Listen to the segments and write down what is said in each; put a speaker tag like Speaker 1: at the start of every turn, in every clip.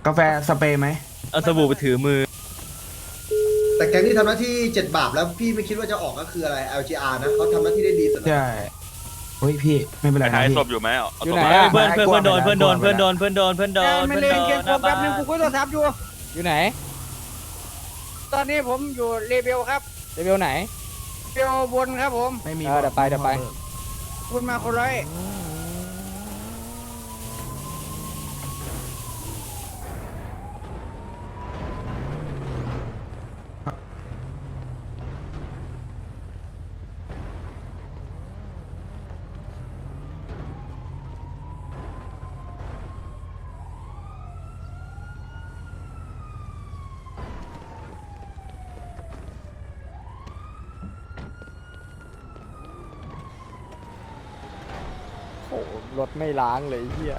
Speaker 1: กาแฟสเปรย์ไหม
Speaker 2: เอาสบู่ไปถือมือ
Speaker 3: แต่แก๊งที่ทำหน้าที่7 บาปแล้วพี่ไม่คิดว่าจะออกก็คืออะไร LGR นะเขาทำหน้าที่ได้ดีสุดแล้ว
Speaker 1: ใช่เฮ้ยพี่ไม่เป็นไร
Speaker 4: ไป
Speaker 1: นะ
Speaker 4: หาย
Speaker 1: พี่
Speaker 4: ศพอยู่ไหมเอา
Speaker 2: อยู่
Speaker 4: ศ
Speaker 2: ไหน
Speaker 4: พมา
Speaker 2: อะเพื่อนโดนเพื่อนโดนเพื่อนโดนเพื่อนโดนเพื่อนโดน
Speaker 5: ไม่เลยเกมโฟกัสนึงกูคุยโทรศัพท์อยู่
Speaker 2: อยู่ไหน
Speaker 5: ตอนนี้ผมอยู่เลเบลครับ
Speaker 2: เลเวลไหน
Speaker 5: เลเบลบนครับผม
Speaker 1: ไม่มี
Speaker 2: เดี๋ยวไป
Speaker 5: คุณมาคนร้อย
Speaker 2: โอ้รถไม่ล้างเลยเฮีย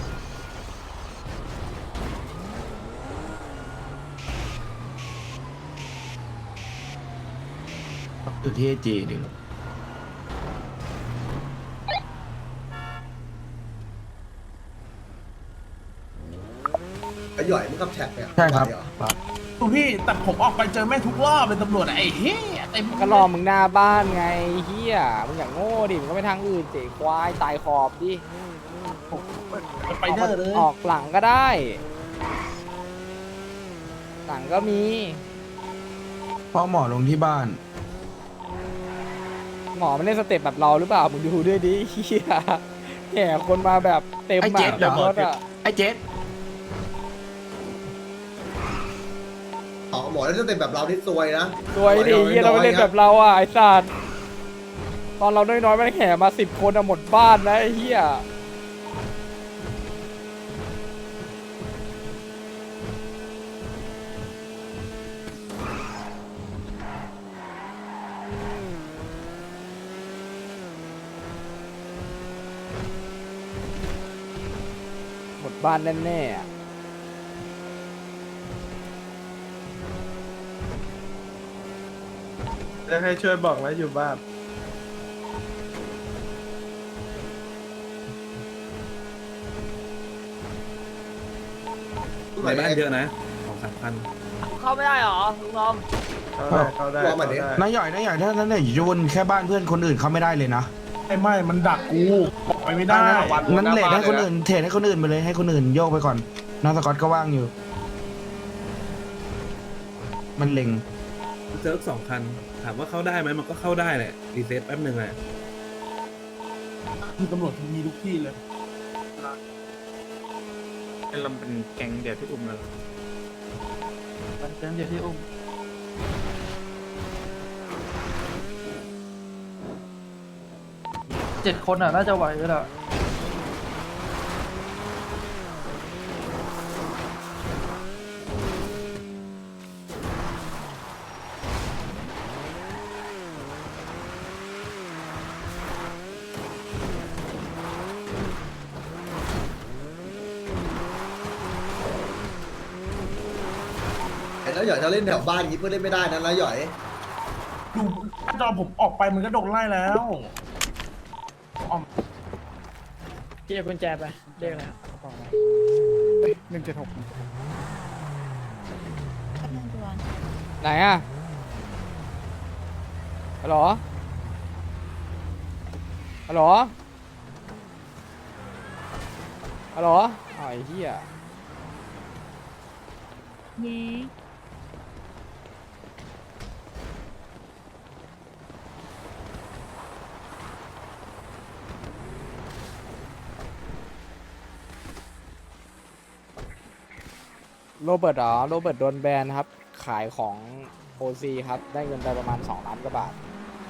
Speaker 1: อยู่ที่จีดิ
Speaker 3: ไอ้หย่อยมึงขับแท็กเนี่ย
Speaker 1: ใช่ครับ
Speaker 3: ไหวเหอ
Speaker 6: ดูพี่แต่ผมออกไปเจอแม่งทุกรอบเลยตำรวจอะไอ้เฮ้ยเต็ม
Speaker 2: ก็รอมึงหน้าบ้านไงเฮียมึงอย่างโง่ดิมึงก็ไปทางอื่นเจ๋ควายตายขอบดิ
Speaker 6: สไปเดอร์เลย
Speaker 2: ออกหลังก็ได้ หลังก็มี
Speaker 1: พ่อหมอลงที่บ้าน
Speaker 2: หมอมันเล่นสเต็ปแบบเราหรือเปล่ามึงดูด้วยดิเฮียแห่คนมาแบบเต็ม
Speaker 1: ไอ้เจ็ดเหรอ
Speaker 2: รถอะ
Speaker 1: ไอ้เจ็ด
Speaker 3: อ๋อหมอแล้วจะเป็นแบบเราที่ซวยนะ
Speaker 2: สวยดิเฮียเราไปเล่นแบบเราอ่ะไอ้สัตว์ตอนเราน้อยๆมันแห่มา10 คนอะหมดบ้านนะไอ้เฮียหมดบ้านแน่ๆอะ
Speaker 7: จะให้ช่วยบอกไว้อยู่บ้าน
Speaker 3: ในบ้านเยอะนะ
Speaker 5: เข้าไม่ได้หรอลุงลอม
Speaker 7: เขาได้
Speaker 3: ว่ามาดิ
Speaker 1: นายใหญ่นายใหญ่ถ้านั้นเนี่ยอยู่วนแค่บ้านเพื่อนคนอื่นเขาไม่ได้เลยนะ
Speaker 6: ไม่มันดักกูออกไปไม่ได้
Speaker 1: นั้นเลทให้คนอื่นเทรดให้คนอื่นไปเลยให้คนอื่นโยกไปก่อนน้องสกอตก็ว่างอยู่ มันเล็ง
Speaker 8: เจอ2 คัน ถามว่าเข้าได้ไหมมันก็เข้าได้แหละรีเซ็ตแป๊บหนึ่งแหละ
Speaker 6: มีตำรวจมีทุกที่เลย
Speaker 7: เราเป็นแก๊งเดียวที่อุ้มกันเป็นแก๊งเดียวที่อุ้ม7 คนอ่ะน่าจะไหวก็ได้
Speaker 3: ไอ้แล้วหย่อยถ้าเล่นแถวบ้านอย่างนี้เพื่อนเล่นไม่ได้นะแล้วหย่อย
Speaker 6: ดูหน้าจอผมออกไปมันก็โดนไล่แล้วอ๋อ
Speaker 5: พี่เอากุญแจไปเรียกอะไร
Speaker 2: 176ไหนอะฮัลโหลฮัลโหลฮัลโหลอ้าวไอ้เหี้ย
Speaker 9: เย้
Speaker 2: โรเบิร์ตเหรอโรเบิร์ตโดนแบนครับ ขายของ OC ครับ ได้เงินไปประมาณ2 ล้านกว่าบาท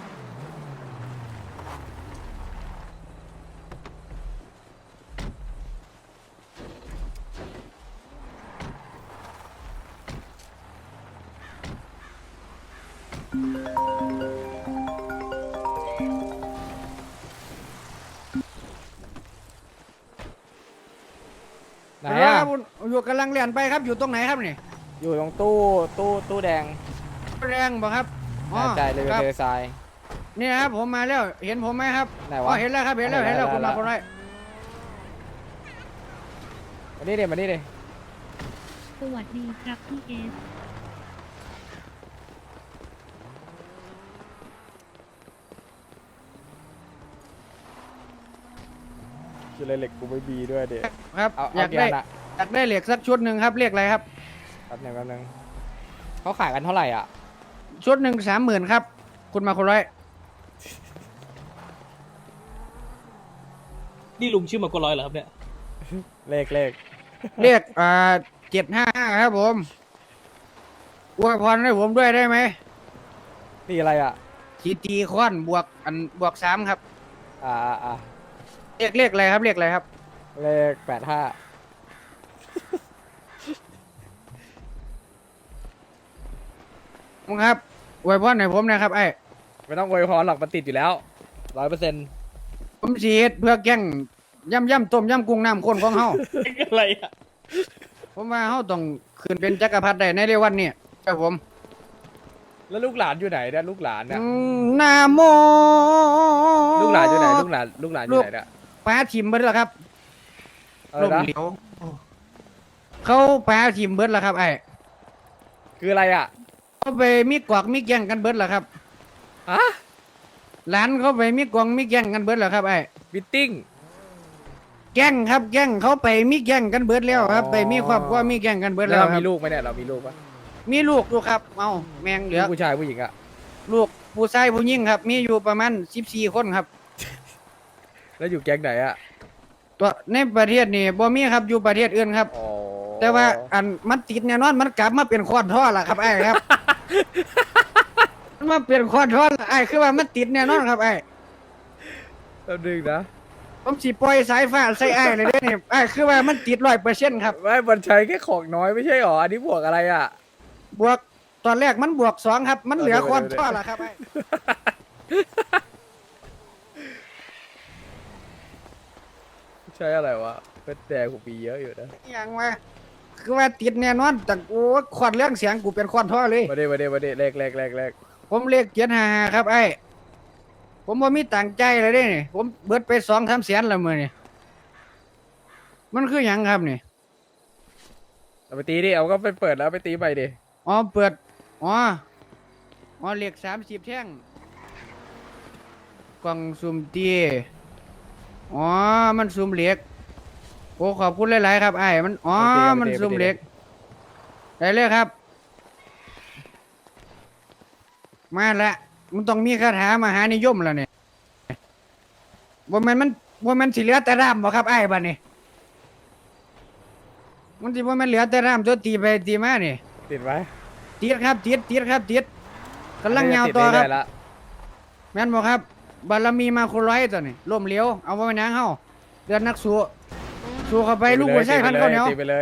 Speaker 2: ไหนอะ
Speaker 5: อยู่กำลังเรียนไปครับอยู่ตรงไหนครับนี่
Speaker 2: อยู่ตรงตู้แดง
Speaker 5: แรงบ่ครับอ๋อ
Speaker 2: แน่ใจเลย
Speaker 5: ครับ
Speaker 2: เททราย
Speaker 5: นี่ครับผมมาแล้วเห็นผมไหมครับ
Speaker 2: ไหน
Speaker 5: อ๋
Speaker 2: วะ
Speaker 5: อเห็นแล้วครับเห็นแล้วเห็นแล้วคุณมาคนร้อย
Speaker 2: มานี่เดี๋ยวมานี่เดี๋ยว
Speaker 4: สวัสดีครับพี่เอส
Speaker 2: คืออะไรเหล็กกูไม่มีด้วยเด็ก
Speaker 5: ครับ
Speaker 2: เอา
Speaker 5: อยากได้
Speaker 2: เกียร์น่ะ
Speaker 5: อยากได้เหล็กสักชุดหนึ่งครับเรียกอะไรครับ
Speaker 2: แป๊บนึงเขาขายกันเท่าไหร่อ่ะ
Speaker 5: ชุดหนึ่ง30,000ครับคุณมาคนร้อย
Speaker 9: นี่ลุงชื่อมากกว่าร้อยเหรอครับเนี่ย
Speaker 2: เลข
Speaker 5: เรียก755ครับผมอวยพรให้ผมด้วยได้ไหม
Speaker 2: นี่อะไรอ่ะ
Speaker 5: ทีตีค้อนบวก3ครับ
Speaker 2: อ่า
Speaker 5: เรียกอะไรครับเรียกอะไรครับ
Speaker 2: เลข85
Speaker 5: มึงครับอวยพรให้ผมนะครับไอ้
Speaker 2: ไม่ต้องอวยพรหรอกมันติดอยู่แล้ว100%
Speaker 5: ผมสีเฮ็ดเพื่อแกงย่ำต้มย่ำกุ้งน้ำข้นของเฮา
Speaker 9: อะไรอ่ะ
Speaker 5: ผมว่าเฮาต้องขึ้นเป็นจักรพรรดิได้ในเร็ววันนี้ครับผม
Speaker 2: แล้วลูกหลานอยู่ไหนเนี่ยลูกหลานเนี่ย
Speaker 5: นาโม
Speaker 2: ลูกหลานอยู่ไหนลูกหลานอยู่ไหนเนี่ย
Speaker 5: ป้าทิมเบิดแล้วครับ
Speaker 2: อะไร
Speaker 5: ลม
Speaker 2: นะ
Speaker 5: เหลวเขาป้าทิมเบิดแล้วครับไอ้
Speaker 2: คืออะไรอ่ะ
Speaker 5: เขาไปมีกวากมีแย่งกันเบิดแล้วครับ
Speaker 2: ฮะ
Speaker 5: หลานเขาไปมีกวางมีแย่งกันเบิดแล้วครับไอ้
Speaker 2: มิทติ้ง
Speaker 5: แย่งครับแย่งเขาไปมีแย่งกันเบิดแล้วครับ
Speaker 2: อ๋อ
Speaker 5: ไปมีครอบครัวมีแย่งกันเบิด
Speaker 2: แล้
Speaker 5: แล้ว ว
Speaker 2: เรา
Speaker 5: ครั
Speaker 2: มี
Speaker 5: บ
Speaker 2: ลูกไหมเนี่ยเรามีลูกปะ
Speaker 5: มีลูกอยู่ครับเอาแมงเหลือ
Speaker 2: ผู้ชายผู้หญิงอ่ะ
Speaker 5: ลูกผู้ชายผู้หญิงครับ มีอยู่ประมาณ14คนครับ
Speaker 2: แล้วอยู่แก๊งไหนอ่ะ
Speaker 5: ตัวในประเทศนี่บ่มีครับอยู่ประเทศอื่นครับ
Speaker 2: อ๋อ
Speaker 5: แต่ว่าอันมันติดแน่นอนมันกลับมาเป็นคอนท่อละครับไอ้ครับ มันมาเป็นคอนท่อละไอ้คือว่ามันติดแน่นอนครับไอ้
Speaker 2: แป๊บนึงนะ
Speaker 5: ผมสิปล่อยสายฟ้าใส่ไอ้เลยเด้อนี่ไอ้คือว่ามันติด100%ครับ
Speaker 2: ไม่มันใช้แค่ของน้อยไม่ใช่หรออันนี้บวกอะไรอ่ะ
Speaker 5: บวกตอนแรกมันบวก2ครับ มันเหลือคอนท่อละครับไอ้
Speaker 2: ใช้อะไรวะเป็นแต่กูปีเยอะอยู่นะ
Speaker 5: อหย่างว่าคือว่าติดแน่นอนแต่โอ้ควันเรื่องเสียงกูเป็นคอนท่อเลย
Speaker 2: มาดิเลข
Speaker 5: ผมเรียก755ครับไอ้ผมบ่มีตังค์ใจเลยเด้นี่ผมเบิดไป2-3แสนแล้วมื้อนี่มันคือหยังครับนี่
Speaker 2: เอาไปตีดิเอาก็ไปเปิดแล้วไปตีไปดิ
Speaker 5: อ๋อเปิดอ๋อเหล็ก30แท่งกล่องสุ่มตีอ๋อมันสุ่มเหล็กโอ้ขอบคุณหลายๆครับไอ้มันอ๋อมันสุ่มเหล็กได้เลยครับมาละมันต้องมีคาถามหานิยมแล้วเนี่ยบ่แม่นสิเหลือแต่ร่ามบ่ครับไอ้บัดนี้มันสิบ่แม่นเหลือแต่ร่ามตัวตีไปตีมานี่
Speaker 2: ติดไหม
Speaker 5: ติดครับติดกำลังยาวต่อครับ
Speaker 2: ติดเอยๆละ
Speaker 5: แม่นบ่ครับบารมีมาคนร้อยตัวนี่ล่มเหลวเอาไว้นางเฮาเดือนนักสู้เข้าไปลูกหัวใจพันข้าวเหนียว
Speaker 2: ตีไปเลย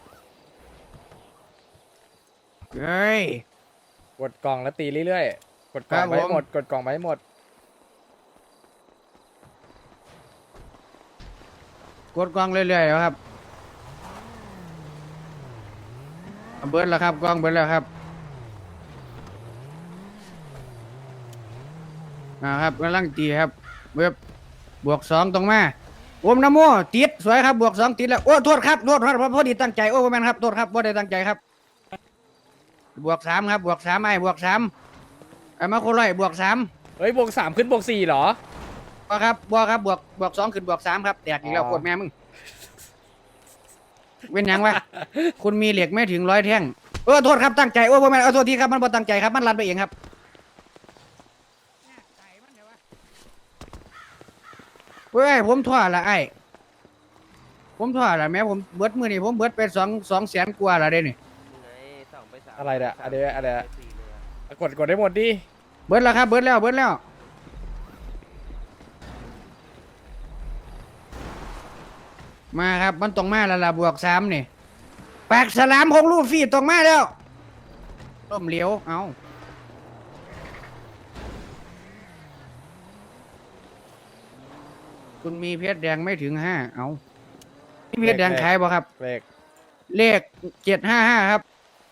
Speaker 5: เฮ้ย
Speaker 2: กดกล่องแล้วตีเรื่อยๆกดกล่อง
Speaker 5: ครับ
Speaker 2: ไปให้
Speaker 5: ผม
Speaker 2: หมดกดกล่องไปให้หมด
Speaker 5: กดกล้องเรื่อยๆครับเบิดแล้วครับกล้องเบิดแล้วครับครับกำลังตีครับเว็บบวก2ตรงมาโอมนะโมติดสวยครับบวก2ติดแล้วโอ้โทษครับพอดีตั้งใจโอ้บ่แม่นครับโทษครับบ่ได้ตั้งใจครับบวก3ครับบวก3ไอ้บวก3ไอ้มาคนร้อยบวก3
Speaker 2: เฮ้ยบวก3ขึ้นบวก4เหรอ
Speaker 5: บ่ครับบวก2ขึ้นบวก3ครับแตกอีกแล้ว
Speaker 2: อ๋อ
Speaker 5: โคตรแม่มึงเป็นหยังวะ คุณมีเหล็กไม่ถึง100แท่งโทษครับตั้งใจโอ้บ่แม่นโทษทีครับมันบ่ตั้งใจครับมันลันไปเองครับเฮ้ยผมท่อละไอ้ผมท่อละแม่ผมเบิดมื้อนี้ผมเบิดไป2แสนกว่าละเด้นี่
Speaker 2: อะไรเนี่ยอะไรเนี่ยกดได้หมดดิ
Speaker 5: เบิดแล้วครับเบิดแล้วมาครับมันต้องมาแล้วล่ะบวก3นี่ปากฉลามของลูฟี่ต้องมาแล้วต้มเหลียวเอาคุณมีเพชรแดงไม่ถึง5เอามีเพชรแดงขายบ่ครับ เลข755ครับ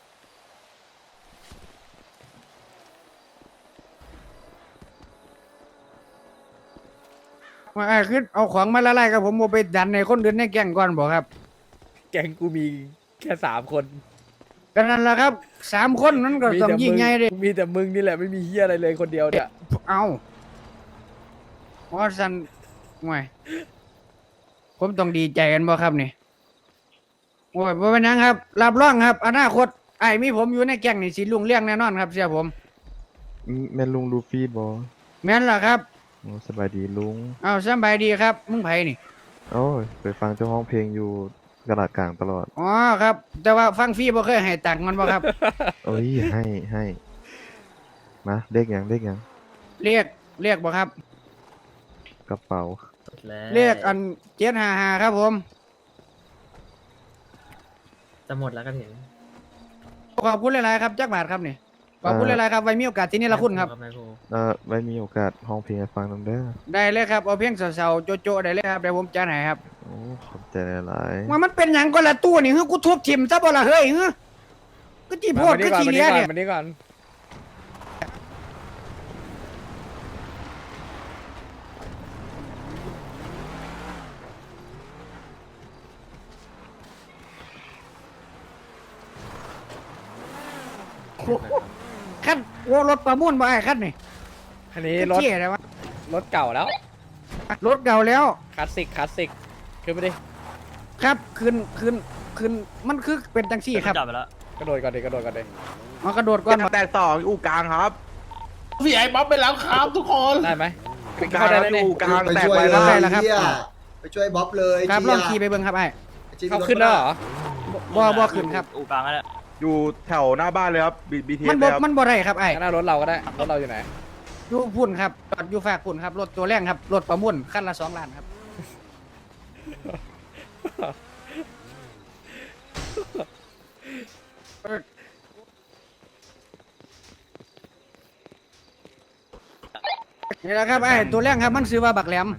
Speaker 5: มาคือเอาของมาละลายกับผมโมไปดันในคนอื่นในแก่งก่อนบอกครับ
Speaker 2: แก๊งกูมีแค่3 คน
Speaker 5: ก็นั่นแหละครับ3คนนั้นก็ต้องยิ่งใหญ่เด้
Speaker 2: มีแต่มึงนี่แหละไม่มีเฮียอะไรเลยคนเดียวเนี่ย
Speaker 5: เอาว่าสันห่วยผมต้องดีใจกันบ่ครับนี่โอ้ยบ่เป็นหยังครับรับรองครับอนาคตไอ้มีผมอยู่ในแก๊งนี่สิรุ่งเรืองแน่นอนครับเสียผม
Speaker 4: แม่นลุงลูฟี่บอ
Speaker 5: แม่นล่ะครับ
Speaker 4: โอ้สบายดีลุง
Speaker 5: เอาสบายดีครับมึงไผนี่
Speaker 4: โอ้ยไปฟังเจ้าห้องเพลงอยู่กระดาษกลางตลอด
Speaker 5: อ๋อครับ แต่ว่าฟังฟรีบ่เคยให้ตังค์มันบ่ครับ
Speaker 4: เอ้ยให้มาเลขหยัง
Speaker 5: เรียกบ่ครับ
Speaker 4: กระเป๋า
Speaker 5: เรียกอัน755ครับผม
Speaker 7: จะหมดแล้วก็ถึง
Speaker 5: ขอบคุณหลายๆครับจักบาทครับนี่ขอบคุณหลายๆครับไว้มีโอกาสที่นี่ละคุณครับ
Speaker 4: ไว้มีโอกาสห้องเพลงให้ฟังนำเด้อ
Speaker 5: ได้เลยครับเอาเพียงเสาๆโจะๆได้เลยครับเดี๋ยวผมจัดให้ครับ
Speaker 4: โอ้ขอบใจหลาย
Speaker 5: ว่ามันเป็นหยังก็ละตู้นี่เฮ้ยกูทุบทิ่มซะบ่ล่ะเฮ้ยเฮ้ยก็จีโพดก็จีเลียเนี่ย
Speaker 2: มานี่ก่อน
Speaker 5: คันโอ้รถประมูลบ่ไอ้คันนี่
Speaker 2: อันนี้รถ
Speaker 5: เจ๊อะไรวะ
Speaker 2: รถเก่าแล้ว
Speaker 5: รถเก่าแล้ว
Speaker 2: คลาสสิกขึ้นไปดิ
Speaker 5: ครับคืนมันคือเป็นจังซี่ครับ
Speaker 9: จับไปแล้ว
Speaker 2: กระโดดก่อนดิกระโดดก่อนดิ
Speaker 5: มากระโดดก่อน
Speaker 6: แต่2อู่กลางครับพี่ไอ้บ๊อบไปแล้วครับทุกคน
Speaker 2: ได้ไหมเข้าได้แล้วเนี่ย
Speaker 6: อู่กลาง
Speaker 3: ไป
Speaker 6: แตก
Speaker 3: ช่วย
Speaker 6: ไป
Speaker 3: เล
Speaker 6: แล้ว
Speaker 3: ยเฮียไปช่วยบ๊อบเลย
Speaker 5: ครับ
Speaker 3: เจีย
Speaker 5: ลองขี่ไปเบิ่งครับไอ้
Speaker 2: เข้าขึ้นแล้วเหรอ
Speaker 5: บ่ขึ้นครับ
Speaker 9: อู่กลางนั่นแหละ
Speaker 6: อยู่แถวหน้าบ้านเลยครับบีที
Speaker 5: มันบ่ได้ครับไอ้
Speaker 2: งั้นเอารถเราก็ได้รถเราอยู่ไหน
Speaker 5: อยู่พุ่นครับจอดอยู่ฝากพุ่นครับรถตัวแรงครับรถประมูลคันละ2 ล้านครับนี่แหละครับไอ้ตัวแรงครับมันซื้อว่าบักแหลม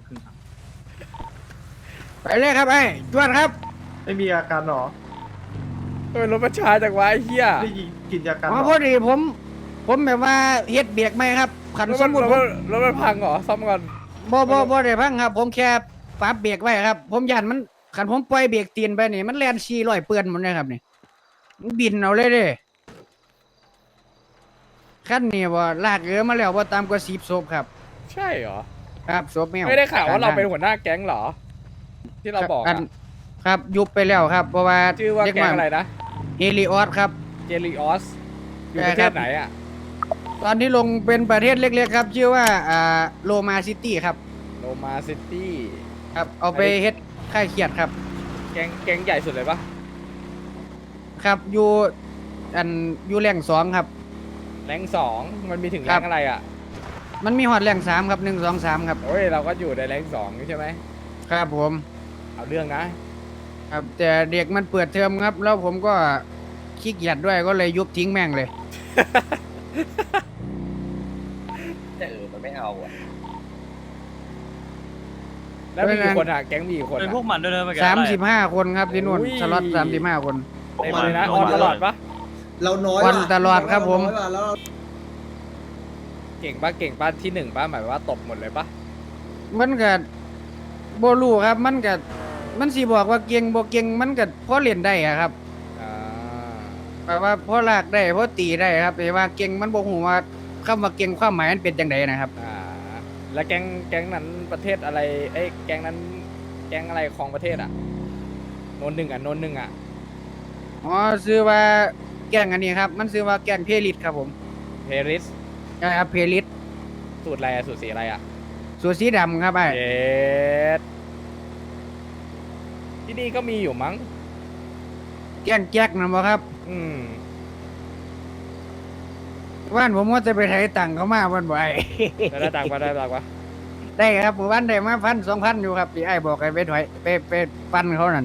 Speaker 5: ไปเลยครับไอ้จวดครับ
Speaker 6: ไม่มีอาการหรอ
Speaker 2: เฮ้ยรถประชาจากวะไอ้เหี้ย
Speaker 6: ได้ยินกินยาการ
Speaker 5: อ๋อพอดีผมแบบว่าเฮ็ดเบรกไหมครับขัน
Speaker 2: รถ
Speaker 5: ส
Speaker 2: มั
Speaker 5: ม
Speaker 2: น
Speaker 5: มุติ
Speaker 2: รถมันพังเหรอซ่อมก่อน
Speaker 5: บ่ได้พังครับ ผมแค่ปรับเบรกไว้ครับ ผมยันมันขันผมปล่อยเบรกตีนไปนี่มันแล่น400เปื้อนหมดเลยครับนี่มันบินเอาเลยเด้คันนี้บ่ลากมาแล้วบ่ตามกว่า10ศพครับ
Speaker 2: ใช่เหรอ
Speaker 5: ครับศพแมว
Speaker 2: ไม่ได้ข่าวว่าเราเป็นหัวหน้าแก๊งเหรอ ที่เราบอก
Speaker 5: อั
Speaker 2: อะ
Speaker 5: นครับยุบไปแล้วครับ เพราะว่า
Speaker 2: ชื่อว่าแก๊งอะไรนะ
Speaker 5: เฮลิออสครับ
Speaker 2: เจลิออสอยู่ประเทศไหนอ่ะ
Speaker 5: ตอนที่ลงเป็นประเทศเล็กๆครับ ชื่อว่าโลมาซิตี้ครับ
Speaker 2: โรมาซิตี้
Speaker 5: ครับ เอาไปเฮ็ดค่ายเขียดครับ
Speaker 2: แก๊งใหญ่สุดเลยปะ
Speaker 5: ครับอยู่อยู่แรง2ครับ
Speaker 2: แรงสองมันมีถึง
Speaker 5: ค
Speaker 2: แร
Speaker 5: รับ
Speaker 2: งอะไรอ่ะ
Speaker 5: มันมีฮอดแรง3ครับ1 2 3ครับ
Speaker 2: โอ้ยเราก็อยู่ในแรงสองใช่ไหม
Speaker 5: ครับผม
Speaker 2: เอาเรื่องนะ
Speaker 5: ครับแต่เด็กมันเปิดเทอมครับ แล้วผมก็ขี้เกียจด้วยก็เลยยุบทิ้งแม่งเลย
Speaker 2: แล้วมีกี่คนอ่ะแก๊งมีกี่คน
Speaker 9: เป็น
Speaker 2: อ่ะ
Speaker 9: พวกมันด้วยนะเมื่อกี้
Speaker 5: 35 คนครับที่นู่น
Speaker 2: อุ้ย
Speaker 5: สล็อต35 คน
Speaker 2: เต็มเลยนะออนตลอดปะ
Speaker 3: เราน้อย
Speaker 5: วันตลอดครับผม
Speaker 3: เาน้อยว่ะแล้วเรา
Speaker 2: เก่งปะที่หนึ่งปะหมายว่าตบหมดเลยปะ
Speaker 5: มันก็บ่รู้ครับ มันสิบอกว่าเก่งบ่เก่งมันก็พอเล่นได้อะครับ
Speaker 2: อ่า
Speaker 5: แปลว่าพอลากได้พอตีได้ครับแต่ว่าเก่งมันบ่ฮู้ว่าคำว่าเก่งความหมายมันเป็นจังไดนะครับ
Speaker 2: แล้วแก๊งนั้นประเทศอะไรเอ้ยแก๊งนั้นแก๊งอะไรของประเทศอ่ะโนนหนึ่งอ่ะ
Speaker 5: อ๋อชื่อว่าแก๊งอันนี้ครับ มันชื่อว่าแก๊งเพลิดครับผม
Speaker 2: เพริส
Speaker 5: ใช่ครับเพลิด
Speaker 2: สูตรอะไรอะสูตรสีอะไรอ่ะ
Speaker 5: สูทสีดำครับไอ้
Speaker 2: เยสที่นี่ก็มีอยู่มั้ง
Speaker 5: แก๊งแจ็คนะบ่ครับ
Speaker 2: อืม
Speaker 5: ว่านผมว่าจะไปไถตังค์เขามาวันบ่ไอ้
Speaker 2: ได้ตังค์ปะ
Speaker 5: ได้ครับหมู่บ้านได้มา1,000-2,000อยู่ครับที่ไอ้บอกให้ไปถอยไปปันเขานั่น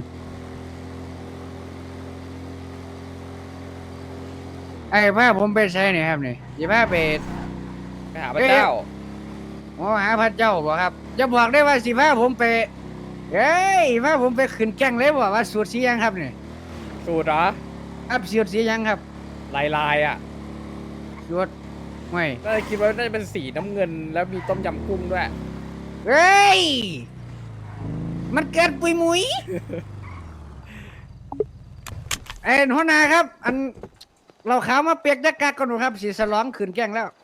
Speaker 5: ไอ้พาผมไปใช้นี่ครับนี่สิพาไป
Speaker 2: ไปหาพระเจ้า
Speaker 5: หาพระเจ้าบ่ครับจะบอกได้ว่าสิพาผมไปเฮ้ยพาผมไปขึ้นแก๊งเลยบ่ว่าสูตรสีหยังครับนี่
Speaker 2: สูตรเหรอ
Speaker 5: ครับสูตรสีหยังครับ
Speaker 2: ลายอ่ะ
Speaker 5: สูตรไม่
Speaker 2: น่าจะคิดว่าน่าจะเป็นสีน้ำเงินแล้วมีต้มยำกุ้งด้วย
Speaker 5: เฮ้ยมันเกิดปุยมุย หัวหน้าครับเราขาวมาเปียกจักกักกันหนูครับสีสลองขืนแกล้งแล้ว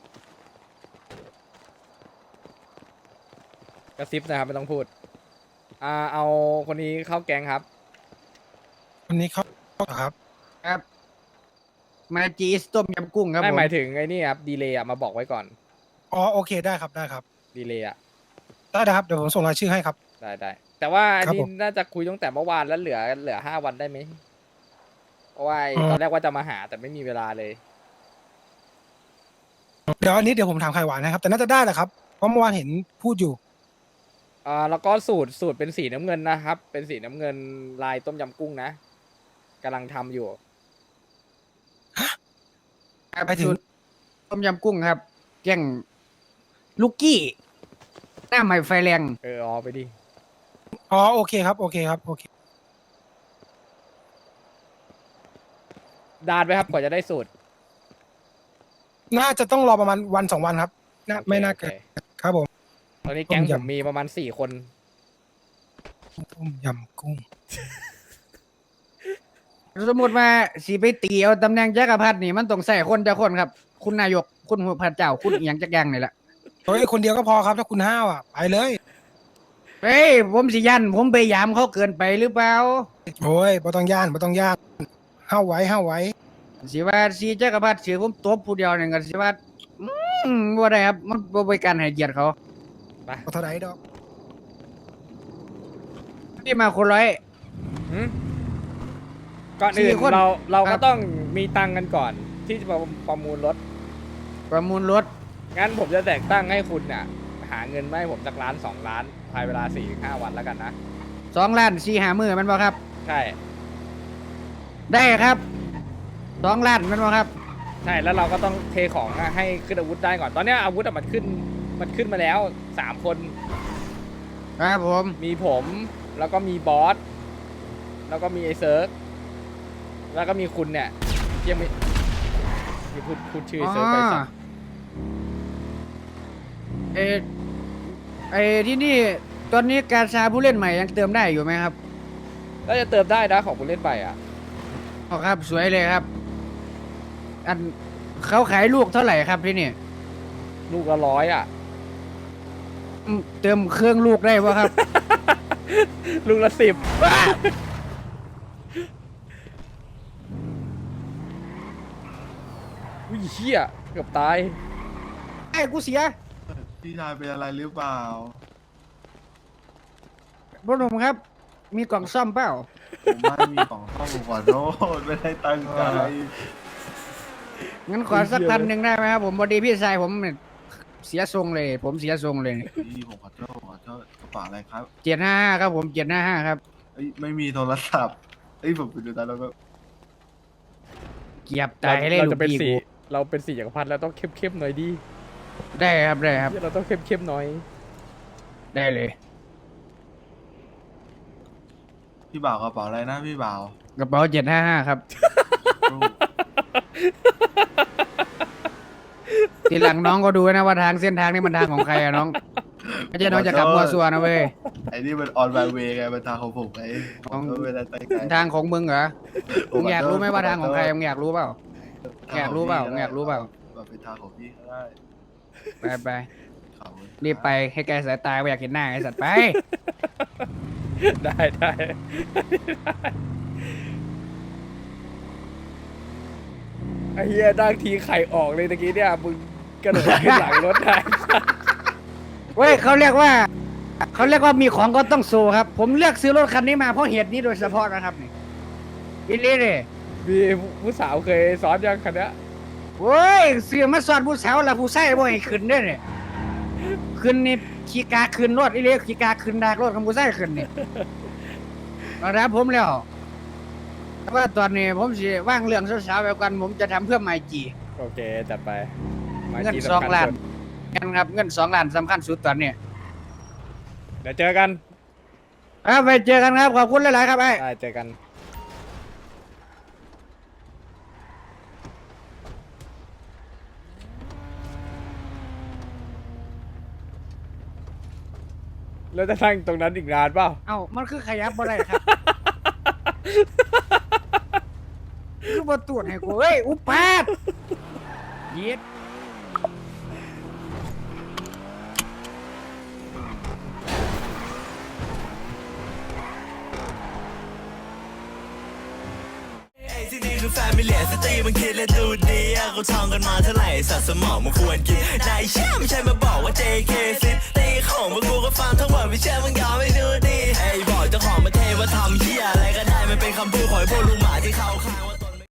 Speaker 2: กระซิบนะครับไม่ต้องพูดเอาคนนี้เข้าแก๊งครับ
Speaker 10: วันนี้เขาครับ
Speaker 5: ครับมาจีสต้มยำกุ้งครับ
Speaker 2: ไม่
Speaker 5: ผม
Speaker 2: หมายถึงไอ้นี่ครับดีเลย์มาบอกไว้ก่อน
Speaker 10: อ๋อโอเคได้ครับได้ครับ
Speaker 2: ดีเลย์
Speaker 10: ได้ครับเดี๋ยวผมส่งรายชื่อให้ครับ
Speaker 2: ได้แต่ว่าอัน
Speaker 10: ครับ
Speaker 2: นี้
Speaker 10: ผม
Speaker 2: น่าจะคุยตั้งแต่เมื่อวานแล้วเหลือ5 วันได้ไหมเพราะว่า
Speaker 10: อ๋อ
Speaker 2: ตอนแรกว่าจะมาหาแต่ไม่มีเวลาเลย
Speaker 10: เดี๋ยวอันนี้เดี๋ยวผมถามไข่หวานนะครับ แต่น่าจะได้แหละครับเพราะเมื่อวานเห็นพูดอยู่
Speaker 2: แล้วก็สูตรเป็นสีน้ำเงินนะครับ เป็นสีน้ำเงินลายต้มยำกุ้งนะกำลังทำอยู่
Speaker 5: ครับ
Speaker 10: ไปถึง
Speaker 5: สูตรต้มยำกุ้งครับ แกล้งลูกกี้หน้าใหม่ไฟแรง
Speaker 2: อ๋อไปดิ
Speaker 10: อ๋อโอเคครับโอเคครับโอเค
Speaker 2: ดานไปครับกว่าจะได้สูตร
Speaker 10: น่าจะต้องรอประมาณวัน2 วันครับไม่น่าเกิน
Speaker 2: โอค
Speaker 10: ครับผม
Speaker 2: ตอนนี้แก๊ง
Speaker 10: ต้ม
Speaker 2: ผ
Speaker 10: ยำ
Speaker 2: มมีประมาณ4 คน
Speaker 10: ต้มยำกุ้ง
Speaker 5: สมมติว่าสีไปตีเอาตำแหน่งจักรพรรดินี่มันต้องใส่คนจะคนครับ คุณนายกคุณหัวพระเจ้าคุณอหย่างจักอย่างนี่แหละ
Speaker 10: โอ้ยคนเดียวก็พอครับถ้าคุณห้าวอ่ะไปเลย
Speaker 5: เฮ้ยผมสิยันผมไปยามเขาเกินไปหรือเปล่า
Speaker 10: โอ้ยบ่ต้องย่านบ่ต้องย่านห้าวไว้ห้าวไว้
Speaker 5: สิว่าสีจักรพรรดิสิผมตบผู้เดียวนี่ก็สิว่าบ่ได้ครับมันบ่เป็นการให้เกียรติเขา
Speaker 10: บ่เท่าไหร่ดอก
Speaker 5: ที่มาคนร้อย
Speaker 2: ก่อนอื่น
Speaker 5: 4 คน
Speaker 2: เรา
Speaker 5: ครั
Speaker 2: ก็
Speaker 5: บ
Speaker 2: ต้องมีตังค์กันก่อน ที่จะประมูลรถ
Speaker 5: ประมูลรถ
Speaker 2: งั้นผมจะแต่งตั้งให้คุณน่ะหาเงินมาให้ผมสัก1 ล้าน 2 ล้านภายเวลา 4-5 วันแล้วกันนะ
Speaker 5: 2 ล้าน4 5 มื้อแมันบ่ครับ
Speaker 2: ใช่
Speaker 5: ได้ครับ2 ล้านแมันบ่ครับ
Speaker 2: ใช่แล้วเราก็ต้องเทของอะให้ขึ้นอาวุธได้ก่อน ตอนเนี้ยอาวุธอะมันขึ้นมาแล้ว3 คน
Speaker 5: ครับผม
Speaker 2: มีผมแล้วก็มีบอสแล้วก็มีไอเซิร์กแล้วก็มีคุณเนี่ยยังไม่พูดชื่อไอ้เซิร์กไปสัก
Speaker 5: เออไอที่นี่ตอนนี้การชาผู้เล่นใหม่ยังเติมได้อยู่ไหมครับ
Speaker 2: ก็จะเติมได้นะของผู้เล่นไปอ่ะ
Speaker 5: อ๋อครับสวยเลยครับ อันเขาขายลูกเท่าไหร่ครับที่นี่
Speaker 2: ลูกละ100อ่ะ
Speaker 5: เติมเครื่องลูกได้ป่ะครับ
Speaker 2: ลูกละ10อุ้ยเหี้ยเกือบตาย
Speaker 5: ไอ้กูเสีย
Speaker 6: พี่ชายเป็นอะไรหรือเปล่า
Speaker 5: พ่อหนุ่มครับ มีกล่องซ่อมเปล่า
Speaker 6: ผมไม่มีของเข้าผมขอโทษไม่ได้ตั้งใจ
Speaker 5: งั้นขอสัก1,000ได้ไหมครับผมพอดีพี่ชายผมเนี่ยเสียทรงเลย ผมเสียทรงเลย
Speaker 6: พี่ผมขอโทษกระเป๋าอะไรครับ
Speaker 5: 755ครับผม755ครับ
Speaker 6: เอ้ยไม่มีโทรศัพท์เอ้ยผมไปดูตาแล้วก็
Speaker 5: เกียบตายเลย
Speaker 2: เรา
Speaker 5: ลู
Speaker 2: จะ
Speaker 5: ก
Speaker 2: เป็น
Speaker 5: พี่
Speaker 2: สี
Speaker 5: กู
Speaker 2: เราเป็นสีจักรพรรดิแล้วต้องเข้มๆหน่อยดิ
Speaker 5: ได้ครับได้ครับ
Speaker 2: เหี้ยเราต้องเข้มๆหน่อย
Speaker 5: ได้เลย
Speaker 6: พี่บ่าวกระเป๋าอะไรนะพี่บ่าว
Speaker 5: กระเป๋า755ครับ ทีหลังน้องก็ดูนะว่าทางเส้นทางนี้มันทางของใครอะน้องไม่ใช่น้องจะกลับมัวซัวนะเว้ย
Speaker 6: ไอ้นี่มันออนไลน์เวย์ไงมันทางของผมไงผมก็ไม่ได้ตั้งใจ
Speaker 5: ทางของมึงเหรอมึงอยากรู้ไหมว่าทางของใครมึงอยากรู้เปล่า อยากรู้เปล่าอยากรู้เปล่า
Speaker 6: แบบเป็นทางของพี่ก็ได้
Speaker 5: ไปไป
Speaker 6: ขอบคุณ
Speaker 5: รีบไปให้ไกลสายตาไม่อยากเห็นหน้าไอ้สัตว์ไป
Speaker 2: ได้ไอ้เหี้ยดังทีไข่ออกเลยตะกี้เนี่ยมึงกระโดดขึ้นหลังรถได้
Speaker 5: เว้ยเขาเรียกว่ามีของก็ต้องโซครับ ผมเลือกซื้อรถคันนี้มาเพราะเหตุนี้โดยเฉพาะนะครับนี่อิลี่เลย
Speaker 2: มีผู้สาวเคยซ้อนยังคันเนี้ย
Speaker 5: โว้ยเสื้อมาสอนผู้สาวแล้วผู้ชายบ่ให้ขึ้นเด้วยเนี่ยขึ้นนี่ขี่กาขึ้นรถอิลี่ขี่กาขึ้นดากรถของผู้ชายขึ้นนี่มารับผมแล้วแต่ว่าตอนนี้ผมสิว่างเรื่องสาวๆไปกันผมจะทำเพื่อไมจี
Speaker 2: โอเคจัดไป
Speaker 5: เงิน
Speaker 2: ที่
Speaker 5: 2
Speaker 2: สำคัญ
Speaker 5: ล้าน
Speaker 2: สุด
Speaker 5: กันครับเงิน2 ล้านสำคัญสุดตอนนี้
Speaker 2: เดี๋ยวเจอกัน
Speaker 5: ไปเจอกันครับขอบคุณหลายๆครับไอ้
Speaker 2: ได้เจอกัน แล้วจะนั่งตรงนั้นอีกนานเปล่า
Speaker 5: เอ้ามันคือขยับบ่ได้ครับคือบ่ตรวจให้กูเอ้ยอุปาทเย็ด
Speaker 11: ที่นี่คือแฟมิเลียสตรีมันคิดและดูดีเขาท่องกันมาเท่าไหร่สัตว์สมองมันควรกินนายเชื่อไม่ใช่มาบอกว่า JK ซิตีของพวกกูก็ฟังทั้งหมดไม่เชื่อมึงยอมไม่ดูดีไอ้บอกเจ้าของประเทศว่าทำเหี้ยอะไรก็ได้มันเป็นคำพูดของพวกลุงหมา